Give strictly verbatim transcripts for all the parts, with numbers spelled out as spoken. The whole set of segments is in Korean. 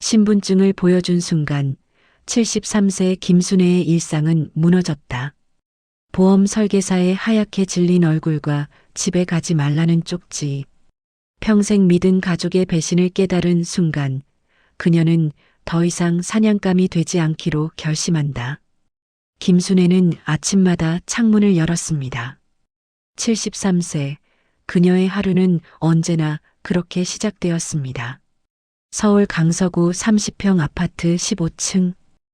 신분증을 보여준 순간 칠십삼 세 김순애의 일상은 무너졌다. 보험 설계사의 하얗게 질린 얼굴과 집에 가지 말라는 쪽지. 평생 믿은 가족의 배신을 깨달은 순간 그녀는 더 이상 사냥감이 되지 않기로 결심한다. 김순애는 아침마다 창문을 열었습니다. 칠십삼 세, 그녀의 하루는 언제나 그렇게 시작되었습니다. 서울 강서구 삼십 평 아파트 십오 층.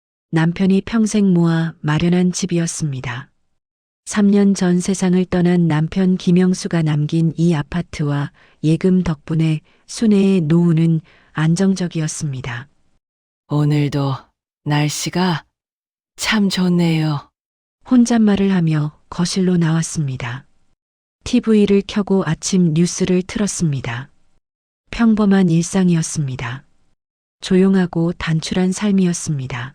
남편이 평생 모아 마련한 집이었습니다. 삼 년 전 세상을 떠난 남편 김영수가 남긴 이 아파트와 예금 덕분에 순애의 노후는 안정적이었습니다. 오늘도 날씨가 참 좋네요. 혼잣말을 하며 거실로 나왔습니다. 티비를 켜고 아침 뉴스를 틀었습니다. 평범한 일상이었습니다. 조용하고 단출한 삶이었습니다.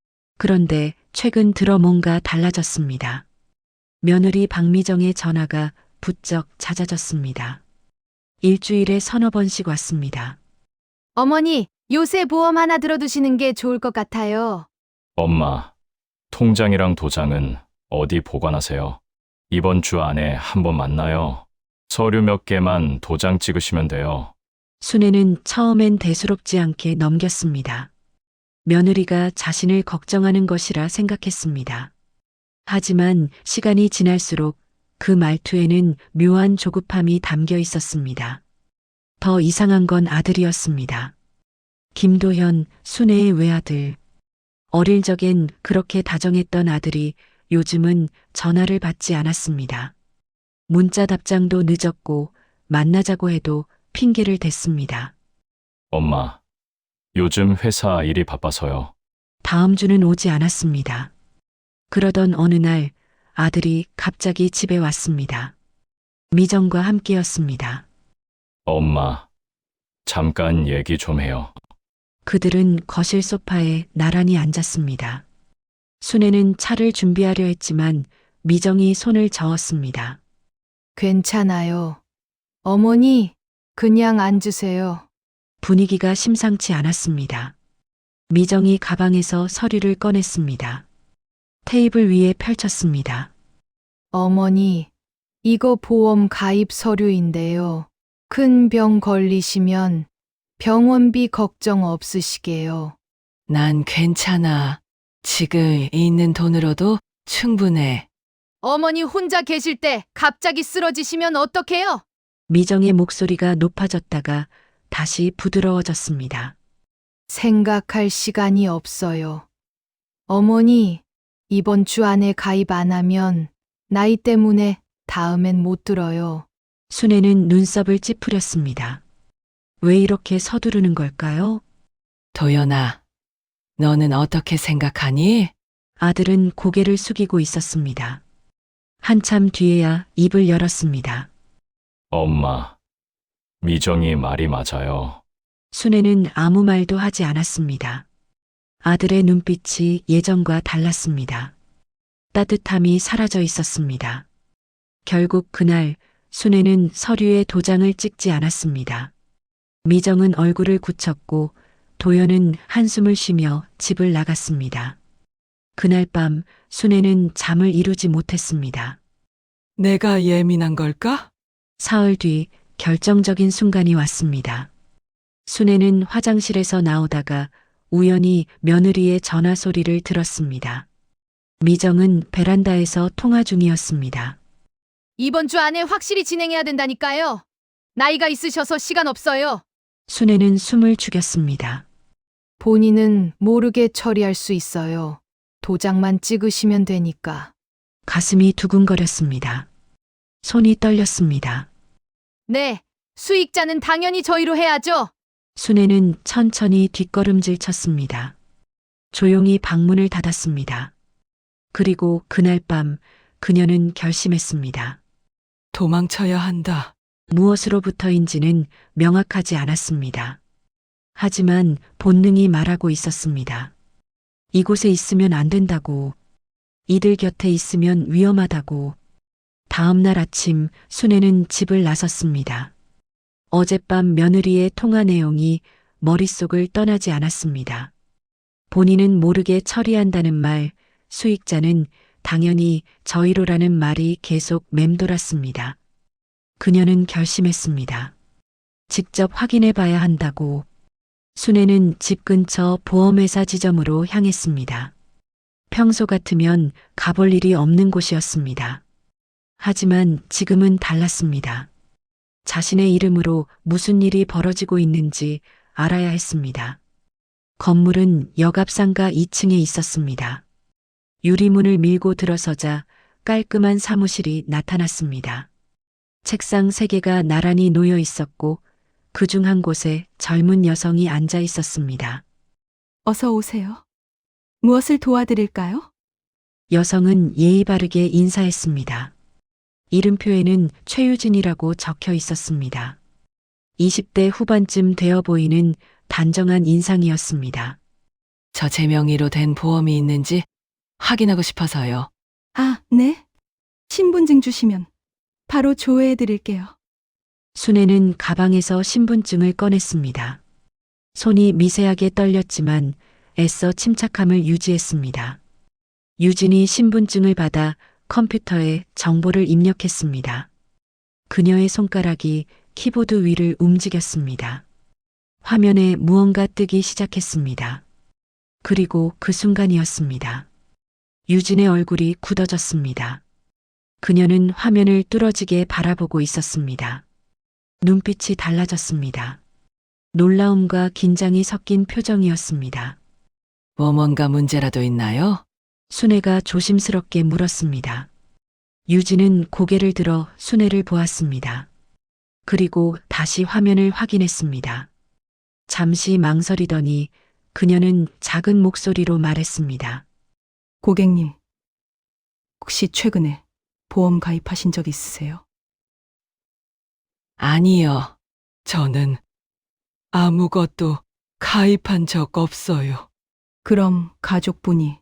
그런데 최근 들어 뭔가 달라졌습니다. 며느리 박미정의 전화가 부쩍 잦아졌습니다. 일주일에 서너 번씩 왔습니다. 어머니, 요새 보험 하나 들어두시는 게 좋을 것 같아요. 엄마, 통장이랑 도장은 어디 보관하세요? 이번 주 안에 한번 만나요. 서류 몇 개만 도장 찍으시면 돼요. 순애는 처음엔 대수롭지 않게 넘겼습니다. 며느리가 자신을 걱정하는 것이라 생각했습니다. 하지만 시간이 지날수록 그 말투에는 묘한 조급함이 담겨 있었습니다. 더 이상한 건 아들이었습니다. 김도현, 순애의 외아들. 어릴 적엔 그렇게 다정했던 아들이 요즘은 전화를 받지 않았습니다. 문자 답장도 늦었고 만나자고 해도 핑계를 댔습니다. 엄마, 요즘 회사 일이 바빠서요. 다음 주는 오지 않았습니다. 그러던 어느 날 아들이 갑자기 집에 왔습니다. 미정과 함께였습니다. 엄마, 잠깐 얘기 좀 해요. 그들은 거실 소파에 나란히 앉았습니다. 순애는 차를 준비하려 했지만 미정이 손을 저었습니다. 괜찮아요. 어머니, 그냥 앉으세요. 분위기가 심상치 않았습니다. 미정이 가방에서 서류를 꺼냈습니다. 테이블 위에 펼쳤습니다. 어머니, 이거 보험 가입 서류인데요. 큰 병 걸리시면 병원비 걱정 없으시게요. 난 괜찮아. 지금 있는 돈으로도 충분해. 어머니 혼자 계실 때 갑자기 쓰러지시면 어떡해요? 미정의 목소리가 높아졌다가 다시 부드러워졌습니다. 생각할 시간이 없어요. 어머니, 이번 주 안에 가입 안 하면 나이 때문에 다음엔 못 들어요. 순애는 눈썹을 찌푸렸습니다. 왜 이렇게 서두르는 걸까요? 도연아, 너는 어떻게 생각하니? 아들은 고개를 숙이고 있었습니다. 한참 뒤에야 입을 열었습니다. 엄마, 미정이 말이 맞아요. 순애는 아무 말도 하지 않았습니다. 아들의 눈빛이 예전과 달랐습니다. 따뜻함이 사라져 있었습니다. 결국 그날 순애는 서류에 도장을 찍지 않았습니다. 미정은 얼굴을 굳혔고 도연은 한숨을 쉬며 집을 나갔습니다. 그날 밤 순애는 잠을 이루지 못했습니다. 내가 예민한 걸까? 사흘 뒤 결정적인 순간이 왔습니다. 순애는 화장실에서 나오다가 우연히 며느리의 전화 소리를 들었습니다. 미정은 베란다에서 통화 중이었습니다. 이번 주 안에 확실히 진행해야 된다니까요. 나이가 있으셔서 시간 없어요. 순애는 숨을 죽였습니다. 본인은 모르게 처리할 수 있어요. 도장만 찍으시면 되니까. 가슴이 두근거렸습니다. 손이 떨렸습니다. 네, 수익자는 당연히 저희로 해야죠. 순애는 천천히 뒷걸음질 쳤습니다. 조용히 방문을 닫았습니다. 그리고 그날 밤 그녀는 결심했습니다. 도망쳐야 한다. 무엇으로부터인지는 명확하지 않았습니다. 하지만 본능이 말하고 있었습니다. 이곳에 있으면 안 된다고, 이들 곁에 있으면 위험하다고. 다음 날 아침 순애는 집을 나섰습니다. 어젯밤 며느리의 통화 내용이 머릿속을 떠나지 않았습니다. 본인은 모르게 처리한다는 말, 수익자는 당연히 저희로라는 말이 계속 맴돌았습니다. 그녀는 결심했습니다. 직접 확인해 봐야 한다고. 순애는 집 근처 보험회사 지점으로 향했습니다. 평소 같으면 가볼 일이 없는 곳이었습니다. 하지만 지금은 달랐습니다. 자신의 이름으로 무슨 일이 벌어지고 있는지 알아야 했습니다. 건물은 역앞상가 이 층에 있었습니다. 유리문을 밀고 들어서자 깔끔한 사무실이 나타났습니다. 책상 세 개가 나란히 놓여 있었고 그 중 한 곳에 젊은 여성이 앉아 있었습니다. 어서 오세요. 무엇을 도와드릴까요? 여성은 예의 바르게 인사했습니다. 이름표에는 최유진이라고 적혀 있었습니다. 이십 대 후반쯤 되어 보이는 단정한 인상이었습니다. 저 제 명의로 된 보험이 있는지 확인하고 싶어서요. 아, 네. 신분증 주시면 바로 조회해 드릴게요. 순애는 가방에서 신분증을 꺼냈습니다. 손이 미세하게 떨렸지만 애써 침착함을 유지했습니다. 유진이 신분증을 받아 컴퓨터에 정보를 입력했습니다. 그녀의 손가락이 키보드 위를 움직였습니다. 화면에 무언가 뜨기 시작했습니다. 그리고 그 순간이었습니다. 유진의 얼굴이 굳어졌습니다. 그녀는 화면을 뚫어지게 바라보고 있었습니다. 눈빛이 달라졌습니다. 놀라움과 긴장이 섞인 표정이었습니다. 뭐 뭔가 문제라도 있나요? 순애가 조심스럽게 물었습니다. 유진은 고개를 들어 순애를 보았습니다. 그리고 다시 화면을 확인했습니다. 잠시 망설이더니 그녀는 작은 목소리로 말했습니다. 고객님, 혹시 최근에 보험 가입하신 적 있으세요? 아니요. 저는 아무것도 가입한 적 없어요. 그럼 가족분이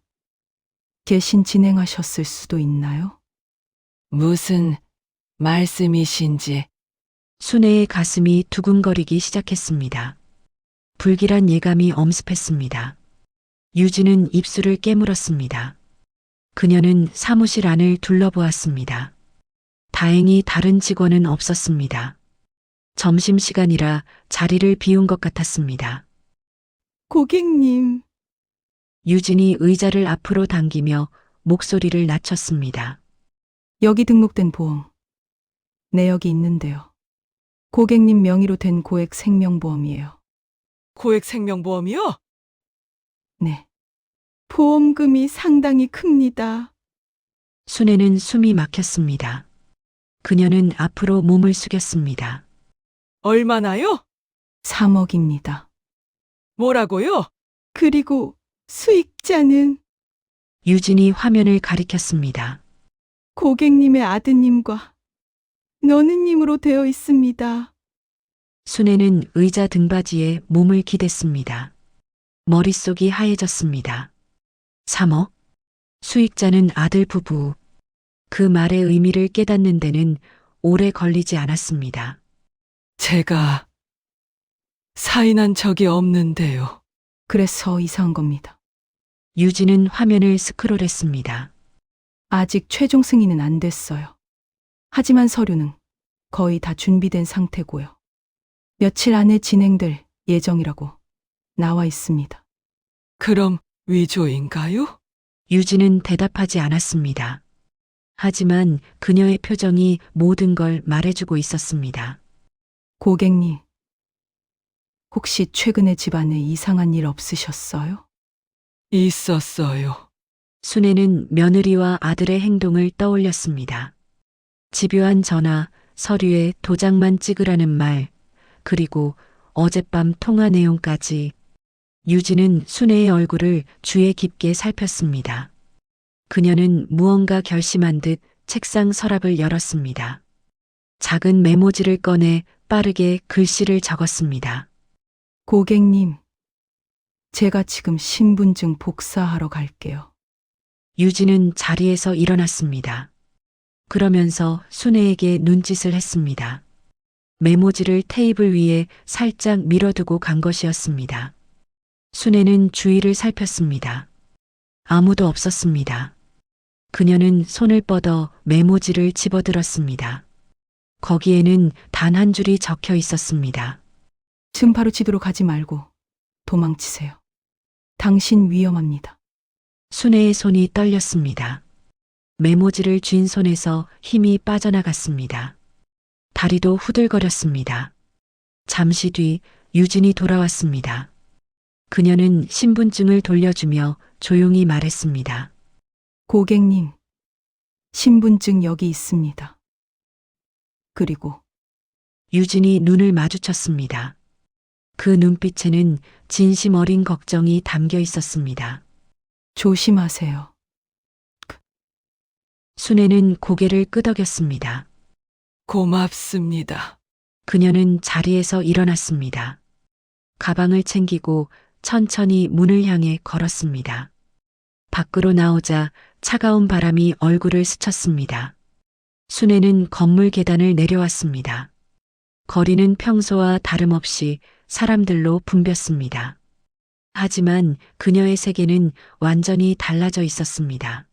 대신 진행하셨을 수도 있나요? 무슨 말씀이신지. 순애의 가슴이 두근거리기 시작했습니다. 불길한 예감이 엄습했습니다. 유진은 입술을 깨물었습니다. 그녀는 사무실 안을 둘러보았습니다. 다행히 다른 직원은 없었습니다. 점심시간이라 자리를 비운 것 같았습니다. 고객님, 유진이 의자를 앞으로 당기며 목소리를 낮췄습니다. 여기 등록된 보험 내역이 있는데요. 고객님 명의로 된 고액 생명보험이에요. 고액 생명보험이요? 네. 보험금이 상당히 큽니다. 순애는 숨이 막혔습니다. 그녀는 앞으로 몸을 숙였습니다. 얼마나요? 삼억입니다. 뭐라고요? 그리고 수익자는 유진이 화면을 가리켰습니다. 고객님의 아드님과 너느님으로 되어 있습니다. 순애는 의자 등받이에 몸을 기댔습니다. 머릿속이 하얘졌습니다. 삼억? 수익자는 아들 부부. 그 말의 의미를 깨닫는 데는 오래 걸리지 않았습니다. 제가 사인한 적이 없는데요. 그래서 이상한 겁니다. 유진은 화면을 스크롤했습니다. 아직 최종 승인은 안 됐어요. 하지만 서류는 거의 다 준비된 상태고요. 며칠 안에 진행될 예정이라고 나와 있습니다. 그럼 위조인가요? 유진은 대답하지 않았습니다. 하지만 그녀의 표정이 모든 걸 말해주고 있었습니다. 고객님, 혹시 최근에 집안에 이상한 일 없으셨어요? 있었어요. 순애는 며느리와 아들의 행동을 떠올렸습니다. 집요한 전화, 서류에 도장만 찍으라는 말, 그리고 어젯밤 통화 내용까지. 유진은 순애의 얼굴을 주의 깊게 살폈습니다. 그녀는 무언가 결심한 듯 책상 서랍을 열었습니다. 작은 메모지를 꺼내 빠르게 글씨를 적었습니다. 고객님, 제가 지금 신분증 복사하러 갈게요. 유진은 자리에서 일어났습니다. 그러면서 순애에게 눈짓을 했습니다. 메모지를 테이블 위에 살짝 밀어두고 간 것이었습니다. 순애는 주위를 살폈습니다. 아무도 없었습니다. 그녀는 손을 뻗어 메모지를 집어들었습니다. 거기에는 단 한 줄이 적혀 있었습니다. 지금 바로 집으로 가지 말고 도망치세요. 당신 위험합니다. 순애의 손이 떨렸습니다. 메모지를 쥔 손에서 힘이 빠져나갔습니다. 다리도 후들거렸습니다. 잠시 뒤 유진이 돌아왔습니다. 그녀는 신분증을 돌려주며 조용히 말했습니다. 고객님, 신분증 여기 있습니다. 그리고 유진이 눈을 마주쳤습니다. 그 눈빛에는 진심 어린 걱정이 담겨 있었습니다. 조심하세요. 순애는 고개를 끄덕였습니다. 고맙습니다. 그녀는 자리에서 일어났습니다. 가방을 챙기고 천천히 문을 향해 걸었습니다. 밖으로 나오자 차가운 바람이 얼굴을 스쳤습니다. 순애는 건물 계단을 내려왔습니다. 거리는 평소와 다름없이 사람들로 붐볐습니다. 하지만 그녀의 세계는 완전히 달라져 있었습니다.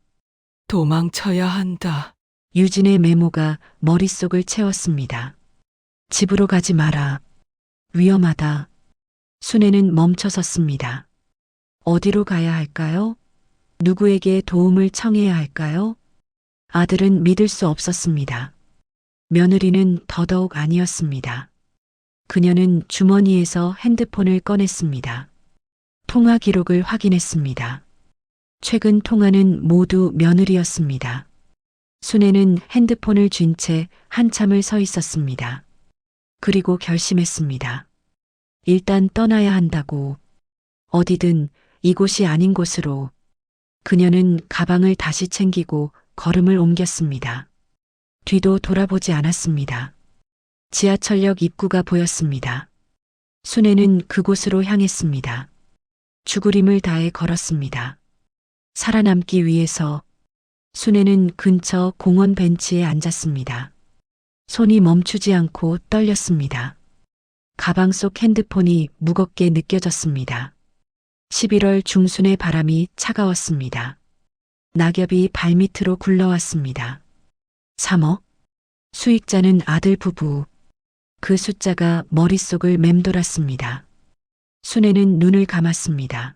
도망쳐야 한다. 유진의 메모가 머릿속을 채웠습니다. 집으로 가지 마라. 위험하다. 순애는 멈춰 섰습니다. 어디로 가야 할까요? 누구에게 도움을 청해야 할까요? 아들은 믿을 수 없었습니다. 며느리는 더더욱 아니었습니다. 그녀는 주머니에서 핸드폰을 꺼냈습니다. 통화 기록을 확인했습니다. 최근 통화는 모두 며느리였습니다. 순애는 핸드폰을 쥔 채 한참을 서 있었습니다. 그리고 결심했습니다. 일단 떠나야 한다고. 어디든 이곳이 아닌 곳으로. 그녀는 가방을 다시 챙기고 걸음을 옮겼습니다. 뒤도 돌아보지 않았습니다. 지하철역 입구가 보였습니다. 순애는 그곳으로 향했습니다. 죽으림을 다해 걸었습니다. 살아남기 위해서. 순애는 근처 공원 벤치에 앉았습니다. 손이 멈추지 않고 떨렸습니다. 가방 속 핸드폰이 무겁게 느껴졌습니다. 십일월 중순의 바람이 차가웠습니다. 낙엽이 발밑으로 굴러왔습니다. 삼억? 수익자는 아들 부부. 그 숫자가 머릿속을 맴돌았습니다. 순애는 눈을 감았습니다.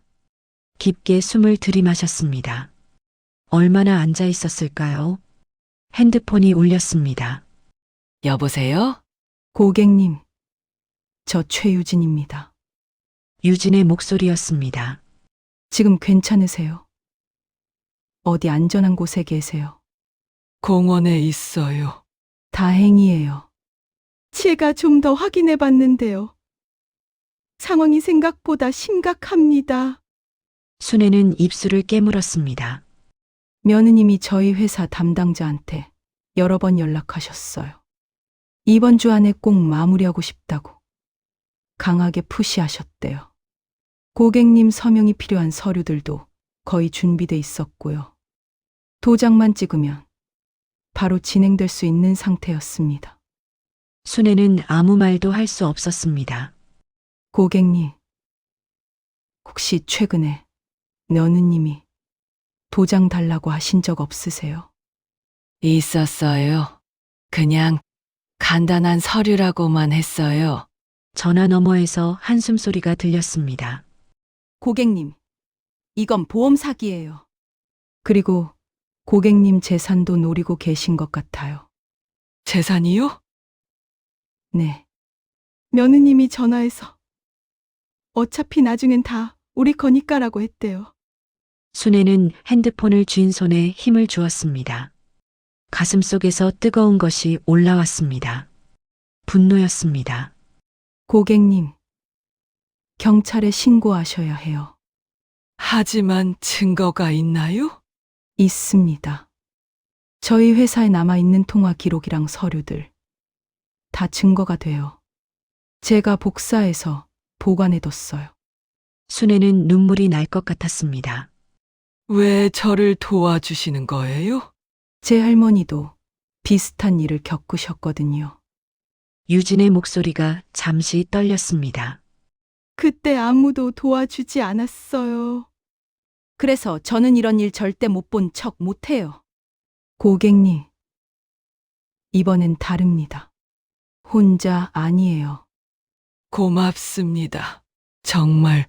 깊게 숨을 들이마셨습니다. 얼마나 앉아 있었을까요? 핸드폰이 울렸습니다. 여보세요? 고객님, 저 최유진입니다. 유진의 목소리였습니다. 지금 괜찮으세요? 어디 안전한 곳에 계세요? 공원에 있어요. 다행이에요. 제가 좀 더 확인해 봤는데요. 상황이 생각보다 심각합니다. 순애는 입술을 깨물었습니다. 며느님이 저희 회사 담당자한테 여러 번 연락하셨어요. 이번 주 안에 꼭 마무리하고 싶다고 강하게 푸시하셨대요. 고객님 서명이 필요한 서류들도 거의 준비돼 있었고요. 도장만 찍으면 바로 진행될 수 있는 상태였습니다. 순애는 아무 말도 할 수 없었습니다. 고객님, 혹시 최근에 며느님이 도장 달라고 하신 적 없으세요? 있었어요. 그냥 간단한 서류라고만 했어요. 전화 너머에서 한숨 소리가 들렸습니다. 고객님, 이건 보험 사기예요. 그리고 고객님 재산도 노리고 계신 것 같아요. 재산이요? 네. 며느님이 전화해서 어차피 나중엔 다 우리 거니까라고 했대요. 순애는 핸드폰을 쥔 손에 힘을 주었습니다. 가슴 속에서 뜨거운 것이 올라왔습니다. 분노였습니다. 고객님, 경찰에 신고하셔야 해요. 하지만 증거가 있나요? 있습니다. 저희 회사에 남아있는 통화 기록이랑 서류들 다 증거가 돼요. 제가 복사해서 보관해뒀어요. 순애는 눈물이 날 것 같았습니다. 왜 저를 도와주시는 거예요? 제 할머니도 비슷한 일을 겪으셨거든요. 유진의 목소리가 잠시 떨렸습니다. 그때 아무도 도와주지 않았어요. 그래서 저는 이런 일 절대 못 본 척 못해요. 고객님, 이번엔 다릅니다. 혼자 아니에요. 고맙습니다. 정말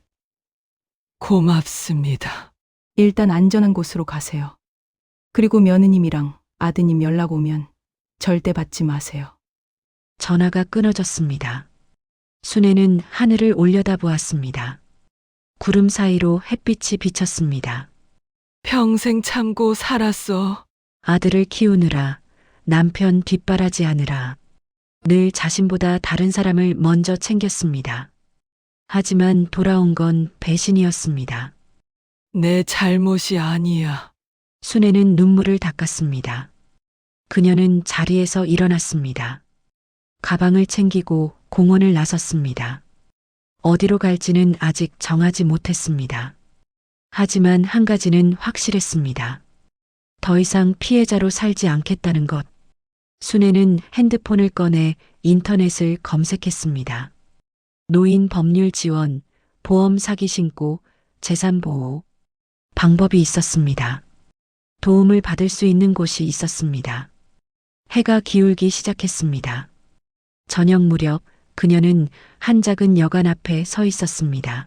고맙습니다. 일단 안전한 곳으로 가세요. 그리고 며느님이랑 아드님 연락 오면 절대 받지 마세요. 전화가 끊어졌습니다. 순애는 하늘을 올려다보았습니다. 구름 사이로 햇빛이 비쳤습니다. 평생 참고 살았어. 아들을 키우느라, 남편 뒷바라지하느라 늘 자신보다 다른 사람을 먼저 챙겼습니다. 하지만 돌아온 건 배신이었습니다. 내 잘못이 아니야. 순애는 눈물을 닦았습니다. 그녀는 자리에서 일어났습니다. 가방을 챙기고 공원을 나섰습니다. 어디로 갈지는 아직 정하지 못했습니다. 하지만 한 가지는 확실했습니다. 더 이상 피해자로 살지 않겠다는 것. 순애는 핸드폰을 꺼내 인터넷을 검색했습니다. 노인 법률 지원, 보험 사기 신고, 재산 보호. 방법이 있었습니다. 도움을 받을 수 있는 곳이 있었습니다. 해가 기울기 시작했습니다. 저녁 무렵 그녀는 한 작은 여관 앞에 서 있었습니다.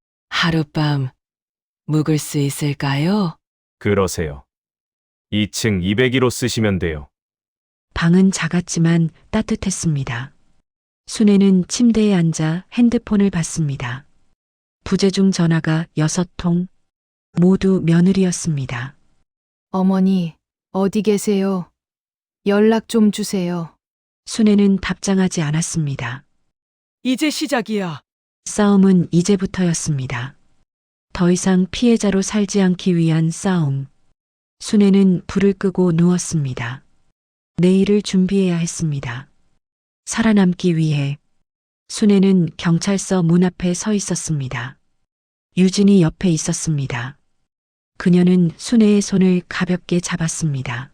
하룻밤 묵을 수 있을까요? 그러세요. 이 층 이백일 호 쓰시면 돼요. 방은 작았지만 따뜻했습니다. 순애는 침대에 앉아 핸드폰을 봤습니다. 부재중 전화가 여섯 통, 모두 며느리였습니다. 어머니, 어디 계세요? 연락 좀 주세요. 순애는 답장하지 않았습니다. 이제 시작이야. 싸움은 이제부터였습니다. 더 이상 피해자로 살지 않기 위한 싸움. 순애는 불을 끄고 누웠습니다. 내일을 준비해야 했습니다. 살아남기 위해. 순애는 경찰서 문 앞에 서 있었습니다. 유진이 옆에 있었습니다. 그녀는 순애의 손을 가볍게 잡았습니다.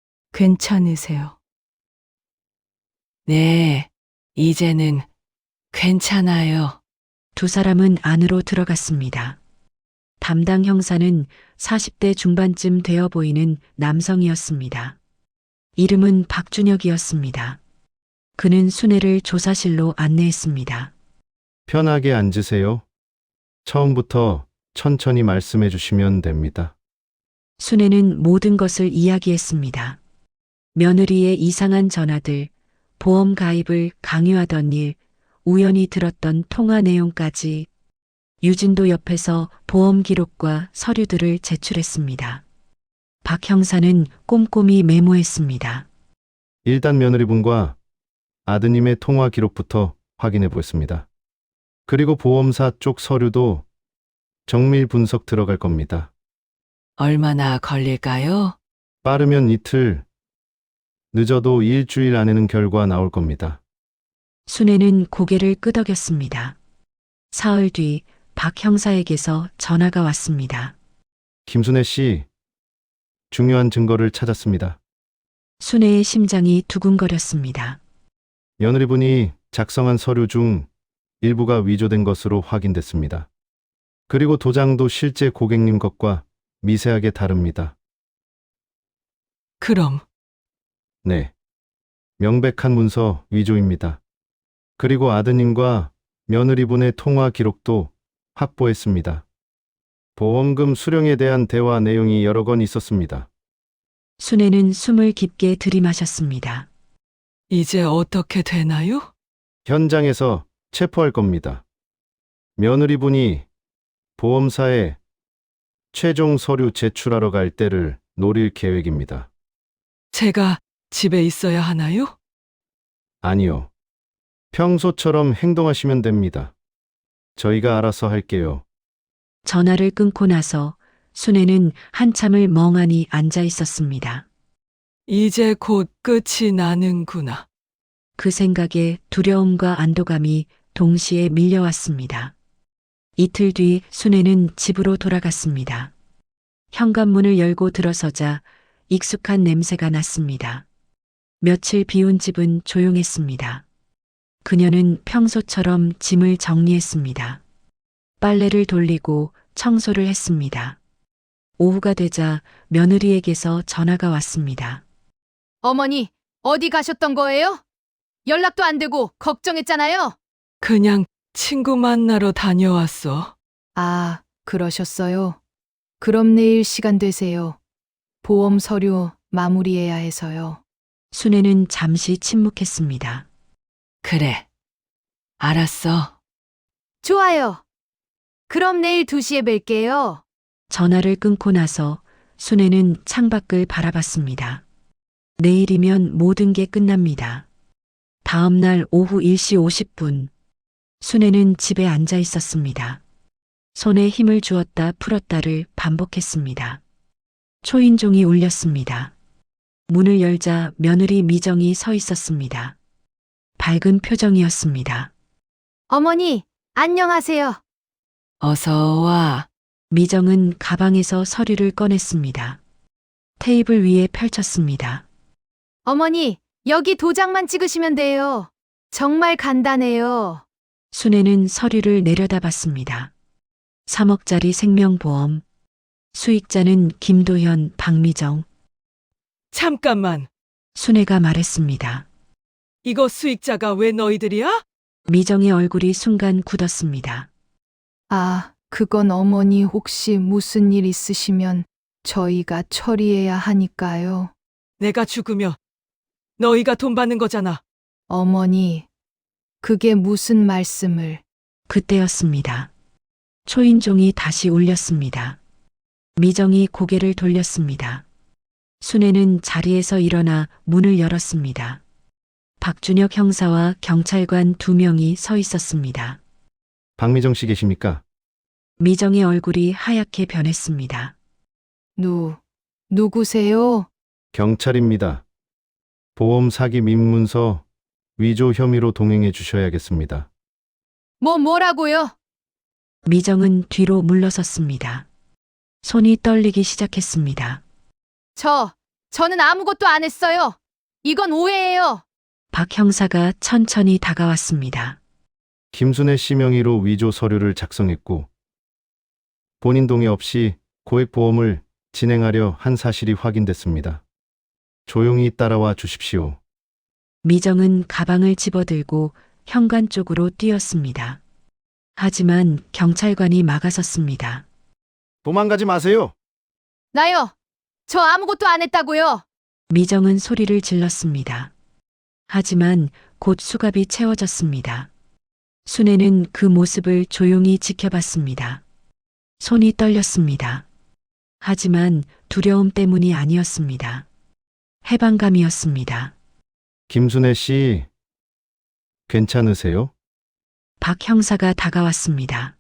괜찮으세요? 네, 이제는 괜찮아요. 두 사람은 안으로 들어갔습니다. 담당 형사는 사십 대 중반쯤 되어 보이는 남성이었습니다. 이름은 박준혁이었습니다. 그는 순애를 조사실로 안내했습니다. 편하게 앉으세요. 처음부터 천천히 말씀해 주시면 됩니다. 순애는 모든 것을 이야기했습니다. 며느리의 이상한 전화들, 보험 가입을 강요하던 일, 우연히 들었던 통화 내용까지. 유진도 옆에서 보험 기록과 서류들을 제출했습니다. 박 형사는 꼼꼼히 메모했습니다. 일단 며느리분과 아드님의 통화 기록부터 확인해 보겠습니다. 그리고 보험사 쪽 서류도 정밀 분석 들어갈 겁니다. 얼마나 걸릴까요? 빠르면 이틀, 늦어도 일주일 안에는 결과 나올 겁니다. 순애는 고개를 끄덕였습니다. 사흘 뒤 박 형사에게서 전화가 왔습니다. 김순애 씨, 중요한 증거를 찾았습니다. 순애의 심장이 두근거렸습니다. 며느리분이 작성한 서류 중 일부가 위조된 것으로 확인됐습니다. 그리고 도장도 실제 고객님 것과 미세하게 다릅니다. 그럼 네. 명백한 문서 위조입니다. 그리고 아드님과 며느리분의 통화 기록도 확보했습니다. 보험금 수령에 대한 대화 내용이 여러 건 있었습니다. 순애는 숨을 깊게 들이마셨습니다. 이제 어떻게 되나요? 현장에서 체포할 겁니다. 며느리분이 보험사에 최종 서류 제출하러 갈 때를 노릴 계획입니다. 제가 집에 있어야 하나요? 아니요. 평소처럼 행동하시면 됩니다. 저희가 알아서 할게요. 전화를 끊고 나서 순애는 한참을 멍하니 앉아 있었습니다. 이제 곧 끝이 나는구나. 그 생각에 두려움과 안도감이 동시에 밀려왔습니다. 이틀 뒤 순애는 집으로 돌아갔습니다. 현관문을 열고 들어서자 익숙한 냄새가 났습니다. 며칠 비운 집은 조용했습니다. 그녀는 평소처럼 짐을 정리했습니다. 빨래를 돌리고 청소를 했습니다. 오후가 되자 며느리에게서 전화가 왔습니다. 어머니, 어디 가셨던 거예요? 연락도 안 되고 걱정했잖아요. 그냥 친구 만나러 다녀왔어. 아, 그러셨어요. 그럼 내일 시간 되세요. 보험 서류 마무리해야 해서요. 순애는 잠시 침묵했습니다. 그래. 알았어. 좋아요. 그럼 내일 두 시에 뵐게요. 전화를 끊고 나서 순애는 창밖을 바라봤습니다. 내일이면 모든 게 끝납니다. 다음 날 오후 일 시 오십 분, 순애는 집에 앉아 있었습니다. 손에 힘을 주었다 풀었다를 반복했습니다. 초인종이 울렸습니다. 문을 열자 며느리 미정이 서 있었습니다. 밝은 표정이었습니다. 어머니, 안녕하세요. 어서 와. 미정은 가방에서 서류를 꺼냈습니다. 테이블 위에 펼쳤습니다. 어머니, 여기 도장만 찍으시면 돼요. 정말 간단해요. 순애는 서류를 내려다봤습니다. 삼억짜리 생명보험. 수익자는 김도현, 박미정. 잠깐만. 순애가 말했습니다. 이거 수익자가 왜 너희들이야? 미정의 얼굴이 순간 굳었습니다. 아, 그건 어머니 혹시 무슨 일 있으시면 저희가 처리해야 하니까요. 내가 죽으면 너희가 돈 받는 거잖아. 어머니, 그게 무슨 말씀을. 그때였습니다. 초인종이 다시 울렸습니다. 미정이 고개를 돌렸습니다. 순애는 자리에서 일어나 문을 열었습니다. 박준혁 형사와 경찰관 두 명이 서 있었습니다. 박미정 씨 계십니까? 미정의 얼굴이 하얗게 변했습니다. 누, 누구세요? 경찰입니다. 보험 사기 민문서 위조 혐의로 동행해 주셔야겠습니다. 뭐 뭐라고요? 미정은 뒤로 물러섰습니다. 손이 떨리기 시작했습니다. 저, 저는 아무것도 안 했어요. 이건 오해예요. 박 형사가 천천히 다가왔습니다. 김순애 씨 명의로 위조 서류를 작성했고 본인 동의 없이 고액 보험을 진행하려 한 사실이 확인됐습니다. 조용히 따라와 주십시오. 미정은 가방을 집어들고 현관 쪽으로 뛰었습니다. 하지만 경찰관이 막아섰습니다. 도망가지 마세요. 나요. 저 아무것도 안 했다고요. 미정은 소리를 질렀습니다. 하지만 곧 수갑이 채워졌습니다. 순애는 그 모습을 조용히 지켜봤습니다. 손이 떨렸습니다. 하지만 두려움 때문이 아니었습니다. 해방감이었습니다. 김순애 씨, 괜찮으세요? 박 형사가 다가왔습니다.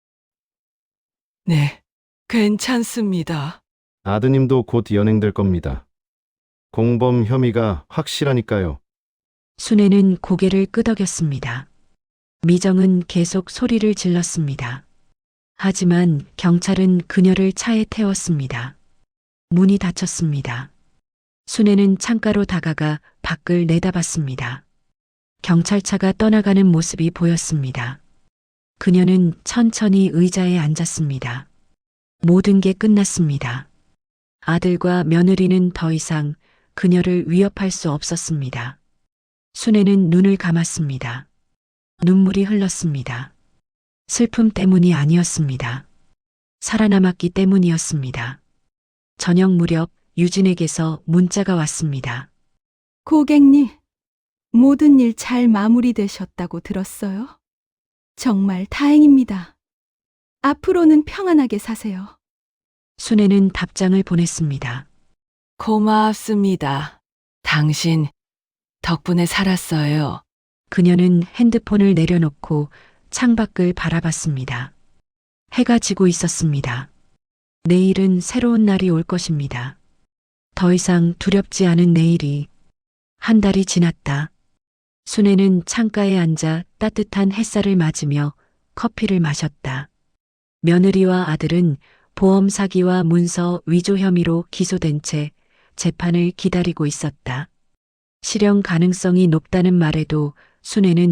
네. 괜찮습니다. 아드님도 곧 연행될 겁니다. 공범 혐의가 확실하니까요. 순애는 고개를 끄덕였습니다. 미정은 계속 소리를 질렀습니다. 하지만 경찰은 그녀를 차에 태웠습니다. 문이 닫혔습니다. 순애는 창가로 다가가 밖을 내다봤습니다. 경찰차가 떠나가는 모습이 보였습니다. 그녀는 천천히 의자에 앉았습니다. 모든 게 끝났습니다. 아들과 며느리는 더 이상 그녀를 위협할 수 없었습니다. 순애는 눈을 감았습니다. 눈물이 흘렀습니다. 슬픔 때문이 아니었습니다. 살아남았기 때문이었습니다. 저녁 무렵 유진에게서 문자가 왔습니다. 고객님, 모든 일 잘 마무리되셨다고 들었어요. 정말 다행입니다. 앞으로는 평안하게 사세요. 순애는 답장을 보냈습니다. 고맙습니다. 당신 덕분에 살았어요. 그녀는 핸드폰을 내려놓고 창밖을 바라봤습니다. 해가 지고 있었습니다. 내일은 새로운 날이 올 것입니다. 더 이상 두렵지 않은 내일이. 한 달이 지났다. 순애는 창가에 앉아 따뜻한 햇살을 맞으며 커피를 마셨다. 며느리와 아들은 보험 사기와 문서 위조 혐의로 기소된 채 재판을 기다리고 있었다. 실형 가능성이 높다는 말에도 순애는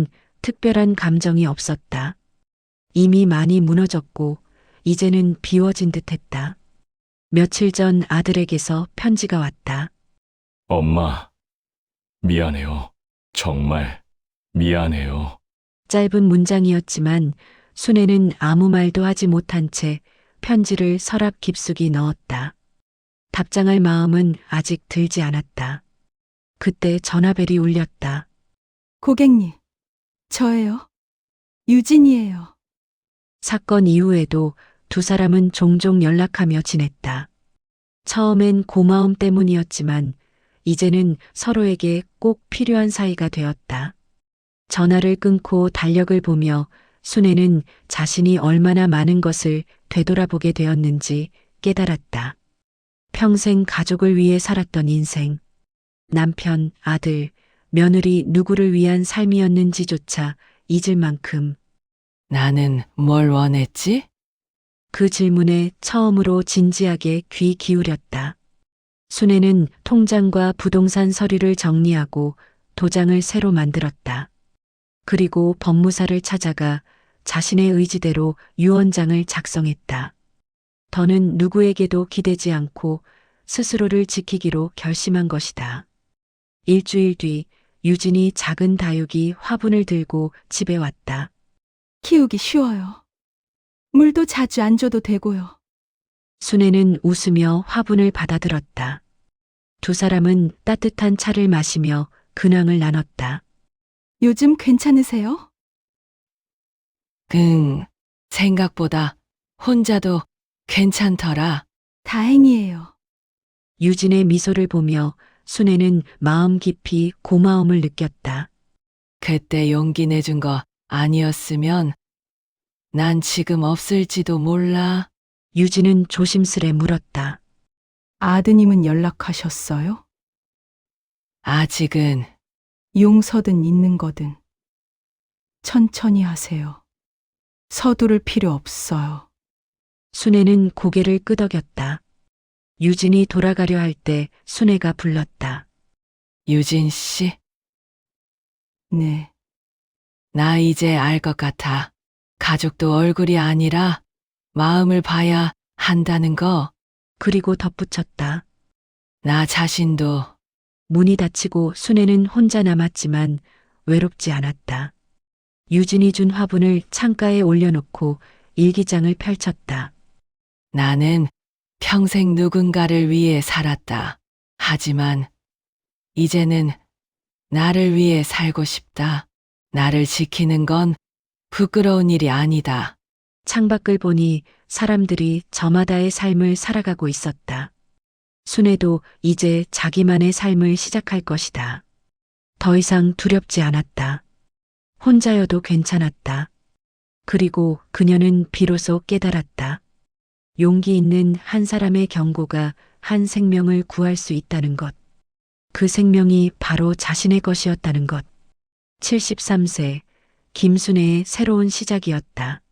특별한 감정이 없었다. 이미 많이 무너졌고 이제는 비워진 듯했다. 며칠 전 아들에게서 편지가 왔다. 엄마, 미안해요. 정말 미안해요. 짧은 문장이었지만 순애는 아무 말도 하지 못한 채 편지를 서랍 깊숙이 넣었다. 답장할 마음은 아직 들지 않았다. 그때 전화벨이 울렸다. 고객님, 저예요. 유진이에요. 사건 이후에도 두 사람은 종종 연락하며 지냈다. 처음엔 고마움 때문이었지만 이제는 서로에게 꼭 필요한 사이가 되었다. 전화를 끊고 달력을 보며 순애는 자신이 얼마나 많은 것을 되돌아보게 되었는지 깨달았다. 평생 가족을 위해 살았던 인생, 남편, 아들, 며느리 누구를 위한 삶이었는지조차 잊을 만큼 나는 뭘 원했지? 그 질문에 처음으로 진지하게 귀 기울였다. 순애는 통장과 부동산 서류를 정리하고 도장을 새로 만들었다. 그리고 법무사를 찾아가 자신의 의지대로 유언장을 작성했다. 더는 누구에게도 기대지 않고 스스로를 지키기로 결심한 것이다. 일주일 뒤 유진이 작은 다육이 화분을 들고 집에 왔다. 키우기 쉬워요. 물도 자주 안 줘도 되고요. 순애는 웃으며 화분을 받아들었다. 두 사람은 따뜻한 차를 마시며 근황을 나눴다. 요즘 괜찮으세요? 응, 생각보다 혼자도 괜찮더라. 다행이에요. 유진의 미소를 보며 순애는 마음 깊이 고마움을 느꼈다. 그때 용기 내준 거 아니었으면 난 지금 없을지도 몰라. 유진은 조심스레 물었다. 아드님은 연락하셨어요? 아직은 용서든 있는 거든. 천천히 하세요. 서두를 필요 없어요. 순애는 고개를 끄덕였다. 유진이 돌아가려 할 때 순애가 불렀다. 유진 씨, 네. 나 이제 알 것 같아. 가족도 얼굴이 아니라 마음을 봐야 한다는 거. 그리고 덧붙였다. 나 자신도 문이 닫히고 순애는 혼자 남았지만 외롭지 않았다. 유진이 준 화분을 창가에 올려놓고 일기장을 펼쳤다. 나는 평생 누군가를 위해 살았다. 하지만 이제는 나를 위해 살고 싶다. 나를 지키는 건 부끄러운 일이 아니다. 창밖을 보니 사람들이 저마다의 삶을 살아가고 있었다. 순애도 이제 자기만의 삶을 시작할 것이다. 더 이상 두렵지 않았다. 혼자여도 괜찮았다. 그리고 그녀는 비로소 깨달았다. 용기 있는 한 사람의 경고가 한 생명을 구할 수 있다는 것. 그 생명이 바로 자신의 것이었다는 것. 칠십삼 세 김순애의 새로운 시작이었다.